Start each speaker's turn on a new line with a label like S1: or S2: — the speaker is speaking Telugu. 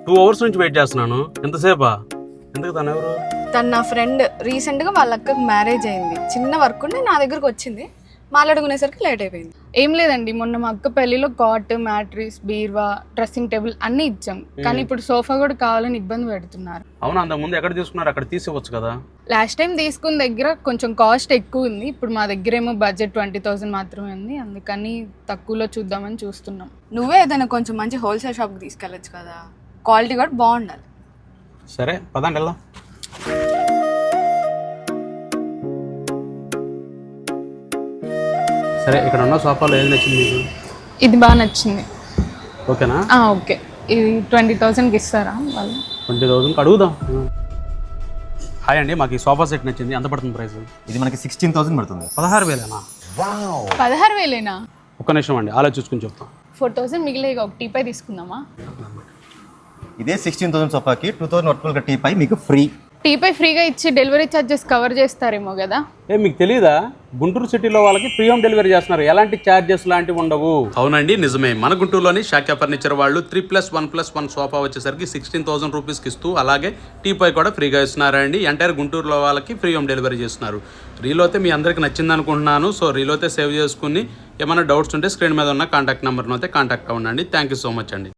S1: 2 hours నుంచి వెయిట్ చేస్తున్నాను. ఎంతసేపా? ఎందుకు తను ఎవరు?
S2: తను నా ఫ్రెండ్. రీసెంట్గా వాళ్ళ అక్కకి మ్యారేజ్ అయింది. చిన్న వర్క్ ఉంటే నా దగ్గరకు వచ్చింది. మాట్లాడుకునేసరికి లేట్ అయిపోయింది.
S3: ఏం లేదండి, మొన్న మా అక్క పెళ్లిలో కాట్, మ్యాట్రిస్, బీర్వా, డ్రెస్సింగ్ టేబుల్ అన్ని ఇచ్చాం. కానీ ఇప్పుడు సోఫా కూడా కావాలని ఇబ్బంది పెడుతున్నారు.
S1: అవునా, అంతకు ముందు ఎక్కడ తీసుకున్నారు? అక్కడ తీసివచ్చు కదా.
S3: లాస్ట్ టైం తీసుకున్న దగ్గర కొంచెం కాస్ట్ ఎక్కువ ఉంది. ఇప్పుడు మా దగ్గర ఏమో బడ్జెట్ 20,000 మాత్రమే ఉంది. అందుకని తక్కువలో చూద్దామని చూస్తున్నాం.
S2: నువ్వే ఏదైనా కొంచెం మంచి హోల్సేల్ షాప్కి తీసుకెళ్ళచ్చు కదా. క్వాలిటీ కూడా బాగుండాలి.
S1: సరే పదండి వెళ్దాం. సరే, ఇక్కడ ఉన్న సోఫాలో ఏది నచ్చింది మీకు?
S3: ఇది బాగా నచ్చింది.
S1: ఓకేనా?
S3: ఓకే, ఇది 20,000కి ఇస్తారా వాళ్ళు?
S1: 20,000కి అడుగుదాం. హాయ్ అండి, మాకు ఈ సోఫా సెట్ నచ్చింది. ఎంత పడుతుంది ప్రైస్?
S4: ఇది మనకి 16,000 పడుతుంది.
S1: 16,000ఏనా?
S3: 16,000ఏనా?
S1: ఒక్క నిమిషం అండి, ఆలోచించుకుని చెప్తాం.
S3: 4,000 మిగిలే ఒక టీపై తీసుకుందామా?
S4: ఇదే 16,000 సోఫాకి 2,000 టీపై మీకు ఫ్రీ.
S3: టీపై ఫ్రీగా ఇచ్చి డెలివరీ ఛార్జెస్ కవర్ చేస్తారేమో కదా.
S1: మీకు తెలీదా? గుంటూరు సిటీలో వాళ్ళకి ఫ్రీ హోమ్ డెలివరీ చేస్తున్నారు. ఎలాంటి ఛార్జెస్ లాంటివి ఉండవు. అవునండి, నిజమే. మన గుంటూరులోని శాక్య ఫర్నిచర్ వాళ్ళు 3+1+1 సోఫా వచ్చేసరికి 16,000 రూపీస్కి ఇస్తూ, అలాగే టీపై కూడా ఫ్రీగా ఇస్తున్నారండి. ఎంటైర్ గుంటూరులో వాళ్ళకి ఫ్రీ హోమ్ డెలివరీ చేస్తున్నారు. రీలో అయితే మీ అందరికి నచ్చింది అనుకుంటున్నాను. సో రీలో అయితే సేవ్ చేసుకుని ఏమైనా డౌట్స్ ఉంటే స్క్రీన్ మీద ఉన్న కాంటాక్ట్ నెంబర్ను అయితే కాంటాక్ట్ అవ్వండి. థ్యాంక్ యూ సో మచ్ అండి.